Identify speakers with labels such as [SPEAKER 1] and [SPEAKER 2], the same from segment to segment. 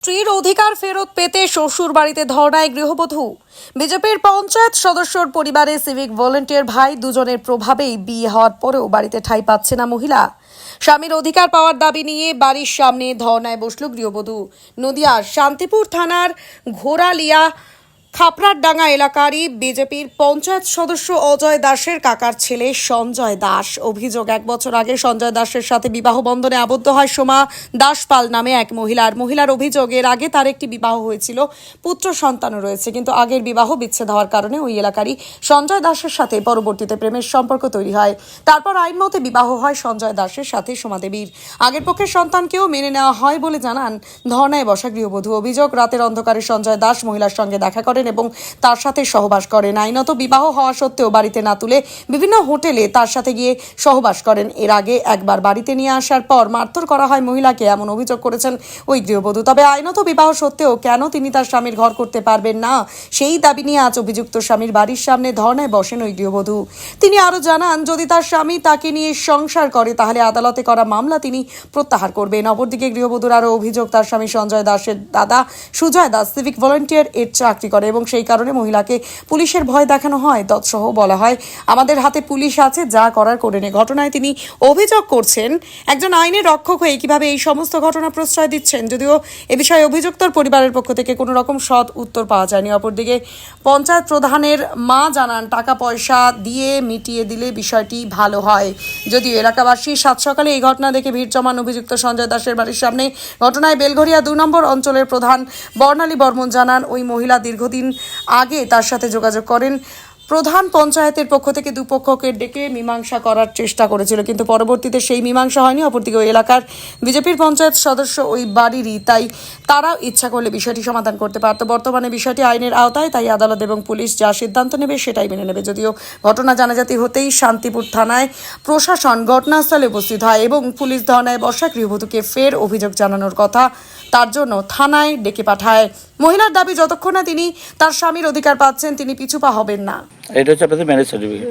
[SPEAKER 1] স্ত্রীর অধিকার ফেরত পেতে শ্বশুর বাড়িতে ধর্নায় গৃহবধূ। বিজেপির পঞ্চায়েত সদস্যর পরিবারে সিভিক ভলেন্টিয়ার ভাই দুজনের প্রভাবেই বিয়ে হওয়ার পরেও বাড়িতে ঠাঁই পাচ্ছে না মহিলা। স্বামীর অধিকার পাওয়ার দাবি নিয়ে বাড়ির সামনে ধর্নায় বসল গৃহবধূ। নদিয়ার শান্তিপুর থানার ঘোড়ালিয়া খাপড়ারডাঙ্গা এলাকারই বিজেপির পঞ্চায়েত সদস্য অজয় দাসের কাকার ছেলে সঞ্জয় দাস। অভিযোগ, 1 বছর আগে সঞ্জয় দাসের সাথে বিবাহ বন্ধনে আবদ্ধ হয় সোমা দাসপাল নামে এক মহিলার অভিযোগ, এর আগে তার একটি বিবাহ হয়েছিল, পুত্র সন্তানও রয়েছে, কিন্তু আগের বিবাহ বিচ্ছেদ হওয়ার কারণে ওই এলাকারই সঞ্জয় দাসের সাথে পরবর্তীতে প্রেমের সম্পর্ক তৈরি হয়। তারপর আইন মতে বিবাহ হয় সঞ্জয় দাসের সাথে সোমা দেবীর। আগের পক্ষের সন্তানকেও মেনে নেওয়া হয় বলে জানান ধর্নায় বসা গৃহবধূ। অভিযোগ, রাতের অন্ধকারে সঞ্জয় দাস মহিলার সঙ্গে দেখা করেন এবং তার সাথে সহবাস করেন। আইনত বিবাহ হওয়া সত্ত্বেও বাড়িতে না তুলে বিভিন্ন হোটেলে তার সাথে গিয়ে সহবাস করেন। এর আগে একবার বাড়িতে নিয়ে আসার পর মারধর করা হয় মহিলাকে, এমন অভিযোগ করেছেন ওই গৃহবধূ। তবে আইনত বিবাহ সত্ত্বেও কেন তিনি তার স্বামীর ঘর করতে পারবেন না, সেই দাবি নিয়ে আজ অভিযুক্ত স্বামীর বাড়ির সামনে ধর্নায় বসেন ওই গৃহবধূ। তিনি আরো জানান, যদি তার স্বামী তাকে নিয়ে সংসার করে তাহলে আদালতে করা মামলা তিনি প্রত্যাহার করবেন। অপরদিকে গৃহবধূর আরো অভিযোগ, তার স্বামী সঞ্জয় দাসের দাদা সুজয় দাস সিভিক ভলেন্টিয়ার এর চাকরি করে এবং সেই কারণে মহিলাকে পুলিশের ভয় দেখানো হয়। তৎসহ বলা হয়, আমাদের হাতে পুলিশ আছে, যা করার করে নে। ঘটনায় তিনি অভিযোগ করছেন, একজন আইনের রক্ষক হয়ে কিভাবে এই সমস্ত ঘটনা প্রশ্রয় দিচ্ছেন। যদিও এ বিষয়ে অভিযুক্তর পরিবারের পক্ষ থেকে কোনো রকম সৎ উত্তর পাওয়া যায়নি। অপরদিকে পঞ্চায়েত প্রধানের মা জানান, টাকা পয়সা দিয়ে মিটিয়ে দিলে বিষয়টি ভালো হয়। যদিও এলাকাবাসী সাত সকালে এই ঘটনা দেখে ভিড় জমান অভিযুক্ত সঞ্জয় দাসের বাড়ির সামনে। ঘটনায় বেলঘরিয়া 2 নম্বর অঞ্চলের প্রধান বর্ণালী বর্মন জানান, ওই মহিলা দীর্ঘদিন আগে তার সাথে যোগাযোগ করেন। প্রধান পঞ্চায়েতের পক্ষ থেকে দুপক্ষকে ডেকে মীমাংসা করার চেষ্টা করেছিল, কিন্তু পরবর্তীতে সেই মীমাংসা হয়নি। অপরদিকে ওই এলাকার বিজেপির পঞ্চায়েত সদস্য ওই বাড়িরই, তাই তারাও ইচ্ছা করলে বিষয়টি সমাধান করতে পারত। বর্তমানে বিষয়টি আইনের আওতায়, তাই আদালত এবং পুলিশ যা সিদ্ধান্ত নেবে সেটাই মেনে নেবে। যদিও ঘটনা জানাজাতি হতেই শান্তিপুর থানায় প্রশাসন ঘটনাস্থলে উপস্থিত হয় এবং পুলিশ ধর্নায় বসা গৃহবধূকে ফের অভিযোগ জানানোর কথা তার জন্য থানায় ডেকে পাঠায়। মহিলার দাবি, যতক্ষণ না তিনি তার স্বামীর অধিকার পাচ্ছেন তিনি পিছুপা হবেন না।
[SPEAKER 2] এটা হচ্ছে আপনাদের ম্যারেজ সার্টিফিকেট,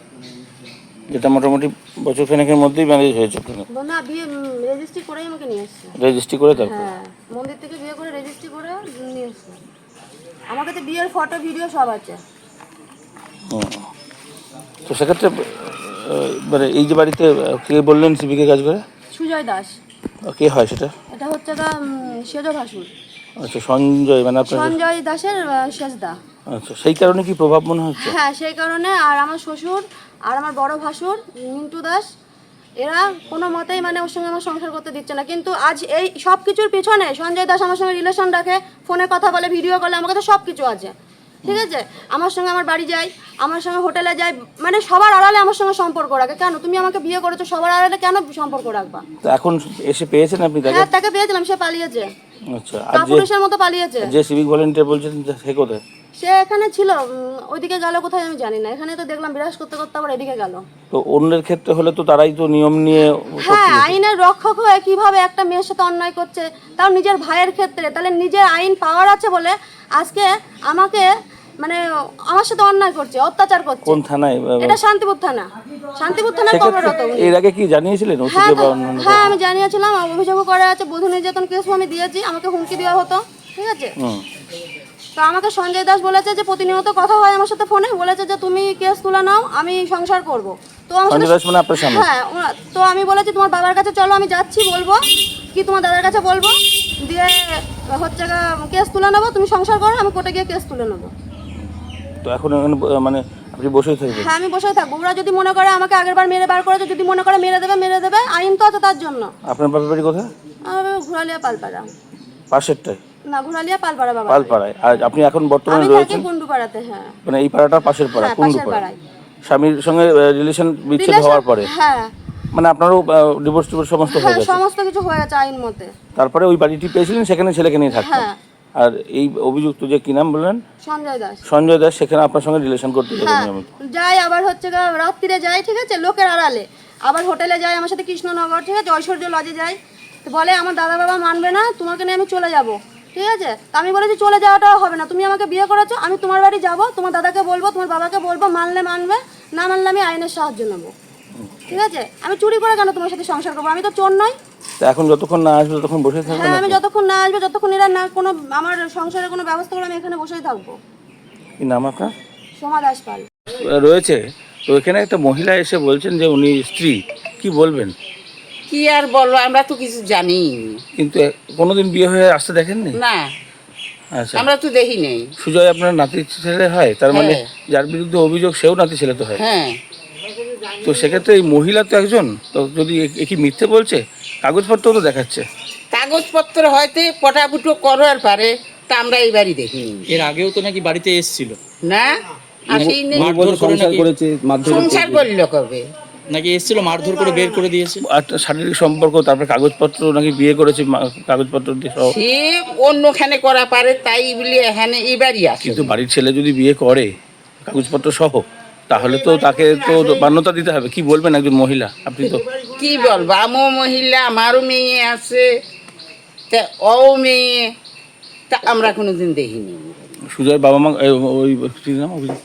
[SPEAKER 2] যেটা মোটামুটি বছর খানেকের মধ্যেই ম্যারেজ হয়েছে।
[SPEAKER 3] না, বিয়ে রেজিস্ট্রি করেই আমাকে নিয়ে এসেছে।
[SPEAKER 2] রেজিস্ট্রি করে তারপর?
[SPEAKER 3] হ্যাঁ, মন্দির থেকে বিয়ে করে রেজিস্ট্রি করে নিয়ে এসেছে। আমার কাছে বিয়ের ফটো ভিডিও সব আছে।
[SPEAKER 2] তো সেক্ষেত্রে মানে এই যে বাড়িতে কে বললেন সিভিকে কাজ করে?
[SPEAKER 3] সুজয় দাস।
[SPEAKER 2] কে হয় সেটা?
[SPEAKER 3] এটা হচ্ছে সেজ ভাসুর।
[SPEAKER 2] আচ্ছা, সঞ্জয় মানে আপনার
[SPEAKER 3] সঞ্জয় দাসের শেষদা।
[SPEAKER 2] আচ্ছা, সেই কারণে কি প্রভাব মনে হচ্ছে?
[SPEAKER 3] হ্যাঁ, সেই কারণে। আর আমার শ্বশুর আর আমার বড় ভাসুর মিন্টু দাস, এরা কোনো মতেই মানে ওর সঙ্গে আমার সংসার করতে দিচ্ছে না। কিন্তু আজ এই সব কিছুর পিছনে সঞ্জয় দাস আমার সঙ্গে রিলেশন রাখে, ফোনে কথা বলে, ভিডিও কলে, আমার কাছে সব কিছু আছে, ঠিক আছে। আমার সঙ্গে আমার বাড়ি যায়, আমার সঙ্গে হোটেলে যায়, মানে সবার আড়ালে আমার সঙ্গে সম্পর্ক রাখে। কেন তুমি আমাকে বিয়ে করেছো, সবার আড়ালে কেন সম্পর্ক রাখবা?
[SPEAKER 2] তো এখন এসে পেয়েছেন আপনি তাকে?
[SPEAKER 3] হ্যাঁ, তাকে পেয়েছিলাম, সে পালিয়েছে।
[SPEAKER 2] আচ্ছা, আর
[SPEAKER 3] কাপুরুষের মতো পালিয়েছে।
[SPEAKER 2] যে সিভিক ভলেন্টিয়ার বলছেন সে কোথায়?
[SPEAKER 3] সে এখানে ছিল, ওইদিকে গেল কোথায় আমি জানি না। এখানে তো দেখলাম বিরাজ করতে করতে আবার এদিকে গেল।
[SPEAKER 2] তো অন্যের ক্ষেত্রে হলে তো তারাই তো নিয়ম নিয়ে।
[SPEAKER 3] হ্যাঁ, আইনের রক্ষক হয়ে কিভাবে একটা মেয়ের সাথে অন্যায় করছে, তাও নিজের ভাইয়ের ক্ষেত্রে। তাহলে নিজের আইন পাওয়ার আছে বলে আজকে আমাকে মানে আমার সাথে অন্যায় করছে, অত্যাচার করছে।
[SPEAKER 2] কোন থানায়?
[SPEAKER 3] এটা শান্তিপুর থানা। শান্তিপুর থানা কর্মরত।
[SPEAKER 2] এর আগে কি জানিয়েছিলেন?
[SPEAKER 3] হ্যাঁ, আমি জানিয়েছিলাম, অভিযোগ করা আছে, বধূ নির্যাতন কেস আমি দিয়েছি, আমাকে হুমকি দেওয়া হতো, ঠিক আছে। তো আমাকে সঞ্জয় দাস বলেছে যে প্রতিনিয়ত কথা হয় আমার সাথে ফোনে, বলেছে যে তুমি কেস তুলে নাও, আমি সংসার করব। তো
[SPEAKER 2] সঞ্জয় দাস মানে আপনার স্বামী?
[SPEAKER 3] হ্যাঁ, তো আমি বলেছি তোমার বাবার কাছে চলো, আমি যাচ্ছি, বলবো কি তোমার দাদার কাছে বলবো, দিয়ে হচ্ছে কেস তুলে নেবো, তুমি সংসার করো, আমি কোর্টে গিয়ে কেস তুলে নেবো।
[SPEAKER 2] তো এখন মানে আপনি বসেই থাকবেন?
[SPEAKER 3] হ্যাঁ, আমি বসেই থাকবো। ওরা যদি মনে করে আমাকে আগেরবার মেরে বার করেছে, যদি মনে করে মেরে দেবে, আইন তো আছে তার জন্য।
[SPEAKER 2] আপনার বাবার বাড়ি কোথায়?
[SPEAKER 3] ঘোড়ালিয়া পালপাড়া।
[SPEAKER 2] পাশেরটাই?
[SPEAKER 3] না, ঘোড়ালিয়া পালপাড়া বাবা।
[SPEAKER 2] পালপাড়ায়। আর আপনি এখন বর্তমানে
[SPEAKER 3] আমি
[SPEAKER 2] রয়েছেন
[SPEAKER 3] থাকি কুন্ডুপাড়াতে। হ্যাঁ,
[SPEAKER 2] মানে এই পাড়াটা পাশের পাড়া, কুন্ডুপাড়া। স্বামীর সঙ্গে রিলেশন বিচ্ছেদ হওয়ার পরে?
[SPEAKER 3] হ্যাঁ,
[SPEAKER 2] মানে আপনারও ডিভোর্স সমস্ত হয়ে গেছে?
[SPEAKER 3] সমস্ত কিছু হয়ে গেছে আইন মতে।
[SPEAKER 2] তারপরে ওই বাড়িটি পেয়েছিলেন, সেখানে ছেলেকে নিয়ে থাকতেন?
[SPEAKER 3] হ্যাঁ।
[SPEAKER 2] আর এই অভিযুক্ত যে কি নাম বললেন?
[SPEAKER 3] সঞ্জয় দাস।
[SPEAKER 2] সঞ্জয় দাস সেখানে আপনার সঙ্গে রিলেশন করতে
[SPEAKER 3] যাই, আবার হচ্ছে রাত্রিরে যাই, ঠিক আছে, লোকের আড়ালে। আবার হোটেলে যাই আমার সাথে, কৃষ্ণনগর, ঠিক আছে, ঐশ্বর্য লজে যাই। তো বলে আমার দাদা বাবা মানবে না, তোমাকে নিয়ে আমি চলে যাব, ঠিক আছে। তো আমি বলেছি চলে যাওয়াটাও হবে না, তুমি আমাকে বিয়ে করেছো, আমি তোমার বাড়ি যাব, তোমার দাদাকে বলবো, তোমার বাবাকে বলবো, মানলে মানবে, না মানলে আমি আইনের সাহায্য নেবো, ঠিক আছে। আমি চুরি করে কেন তোমার সাথে সংসার করবো? আমি তো চোর নই।
[SPEAKER 2] তা এখন যতক্ষণ না আসবে ততক্ষণ বসে থাকবেন
[SPEAKER 3] হ্যাঁ, আমি
[SPEAKER 2] আপনি?
[SPEAKER 3] যতক্ষণ না আসবে, যতক্ষণ এরা না কোনো আমার সংসারের কোনো ব্যবস্থা করে, আমি এখানে বসেই থাকবো।
[SPEAKER 2] কি নাম আপনার?
[SPEAKER 3] সোমা দাস পাল।
[SPEAKER 2] রয়েছে তো এখানে একটা মহিলা এসে বলছেন যে উনি স্ত্রী, কি বলবেন?
[SPEAKER 4] কি আর বলবো, আমরা তো কিছু জানি
[SPEAKER 2] কিন্তু কোনোদিন বিয়ে হয়ে আসতে দেখেননি?
[SPEAKER 4] না,
[SPEAKER 2] আচ্ছা,
[SPEAKER 4] আমরা তো দেখি নেই।
[SPEAKER 2] সুজয় আপনার নাতি ছেলে হয়, তার মানে
[SPEAKER 4] হ্যাঁ।
[SPEAKER 2] যার বিরুদ্ধে অভিযোগ সেও নাতি ছেলে তো হয়।
[SPEAKER 4] হ্যাঁ,
[SPEAKER 2] তো সেক্ষেত্রে এই মহিলা তো একজন, তো যদি এ কি মিথ্যে বলছে? কাগজপত্র তো দেখাচ্ছে।
[SPEAKER 4] কাগজপত্র হয়তো পটাপুটো করার পারে, তা আমরা এইবারই দেখিনি।
[SPEAKER 5] এর আগেও তো নাকি বাড়িতে এসেছিল,
[SPEAKER 4] না, আসেই নেই।
[SPEAKER 5] মারধর করে নাকি
[SPEAKER 4] সংসার করল কবে?
[SPEAKER 5] নাকি এসেছিল মারধর করে বের করে দিয়েছে।
[SPEAKER 2] একটা শারীরিক সম্পর্ক, তারপরে কাগজপত্র নাকি বিয়ে করেছে কাগজপত্র দিয়ে সহ।
[SPEAKER 4] সে অন্যখানে করা পারে, তাই বলি এখানে এবারই আসে।
[SPEAKER 2] কিন্তু বাড়ির ছেলে যদি বিয়ে করে কাগজপত্র সহ, তাহলে তো তাকে তো মান্যতা দিতে হবে। কি বলবেন একজন মহিলা? আপনি তো
[SPEAKER 4] কি বলবো, আমিও মহিলা, আমারও মেয়ে আছে, তা ও মেয়ে, তা আমরা কোনোদিন দেখিনি।
[SPEAKER 2] সুজয়ের বাবা মা ওই কি নাম অভিজিৎ?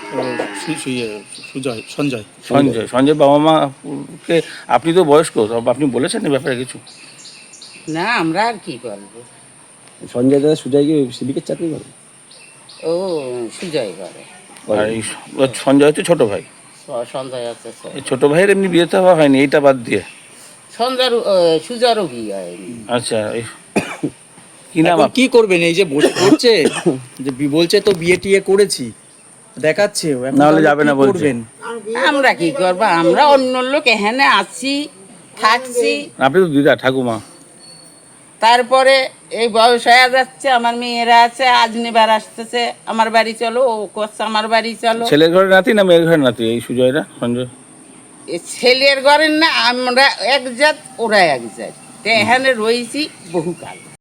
[SPEAKER 5] সঞ্জয়
[SPEAKER 2] সঞ্জয় বাবা মাকে আপনি তো বয়স্ক, তবে আপনি বলেছেন এই ব্যাপারে কিছু?
[SPEAKER 4] না, আমরা আর কি বলবো।
[SPEAKER 6] সঞ্জয় দাদা সুজয় কি সিভিকের চাকরি করে?
[SPEAKER 4] ও সুজয় করে,
[SPEAKER 2] আর এই সঞ্জয় হচ্ছে ছোট ভাই।
[SPEAKER 4] সঞ্জয় আছে।
[SPEAKER 2] এই ছোট ভাইয়ের এমনি বিয়ে তো হওয়া হয়নি, এইটা বাদ দিয়ে।
[SPEAKER 4] সঞ্জয় সুজারও বিয়ে হয়নি।
[SPEAKER 2] আচ্ছা, কি নাম
[SPEAKER 5] এখন কি করবেন? এই যে বসে পড়ছে যে বলছে তো বিয়ে টিয়ে করেছি দেখাচ্ছে, এখন
[SPEAKER 2] না হলে
[SPEAKER 5] তাহলে
[SPEAKER 2] যাবে
[SPEAKER 5] কি
[SPEAKER 2] না বলছে।
[SPEAKER 5] করবেন?
[SPEAKER 4] আমরা কি করবো, আমরা অন্য লোক এখানে আছি, থাকছি।
[SPEAKER 2] আপনি তো দিদা ঠাকুমা।
[SPEAKER 4] তারপরে এই বয়স হয়ে যাচ্ছে, আমার মেয়েরা আছে, আজ নেবার আসতেছে আমার বাড়ি চলো, ও করছে আমার বাড়ি চলো।
[SPEAKER 2] ছেলের ঘরে নাতি না মেয়ের ঘরে নাতি এই সুজয়রা সঞ্জয়?
[SPEAKER 4] এ ছেলের ঘরের না, আমরা এক জাত, ওরা এক জাত, তো এখানে রয়েছি বহুকাল।